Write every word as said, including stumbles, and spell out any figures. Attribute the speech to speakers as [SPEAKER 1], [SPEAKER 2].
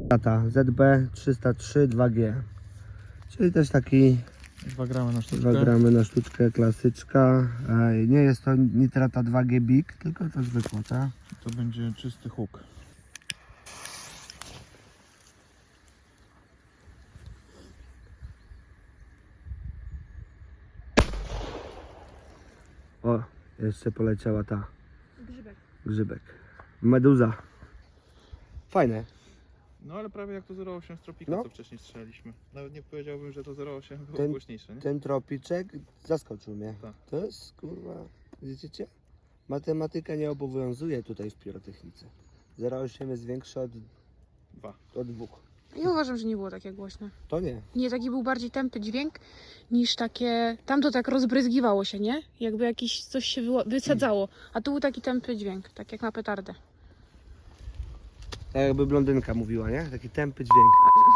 [SPEAKER 1] Lata Z B trzysta trzy dwa G, czyli też taki
[SPEAKER 2] dwa gramy na sztuczkę.
[SPEAKER 1] dwa gramy na sztuczkę, klasyczka. Nie jest to nitrata dwa G Big, tylko to zwykła, tak?
[SPEAKER 2] To będzie czysty huk.
[SPEAKER 1] O, jeszcze poleciała ta
[SPEAKER 3] Grzybek.
[SPEAKER 1] grzybek. Meduza. Fajne.
[SPEAKER 2] No ale prawie jak to zero osiem z Tropika,
[SPEAKER 1] No.
[SPEAKER 2] co wcześniej strzelaliśmy. Nawet nie powiedziałbym, że to zero osiem było
[SPEAKER 1] Ten-
[SPEAKER 2] głośniejsze, nie?
[SPEAKER 1] Ten tropiczek zaskoczył mnie.
[SPEAKER 2] Tak.
[SPEAKER 1] To jest kurwa, widzicie? Matematyka nie obowiązuje tutaj w pirotechnice. zero osiem jest większe od,
[SPEAKER 2] Dwa.
[SPEAKER 1] od dwóch.
[SPEAKER 3] Ja uważam, że nie było takie głośne.
[SPEAKER 1] To nie.
[SPEAKER 3] Nie, taki był bardziej tępy dźwięk niż takie... Tam to tak rozbryzgiwało się, nie? Jakby jakiś coś się wyło- wysadzało. A tu był taki tępy dźwięk, tak jak na petardę.
[SPEAKER 1] Tak jakby blondynka mówiła, nie? Taki tępy dźwięk.
[SPEAKER 3] A,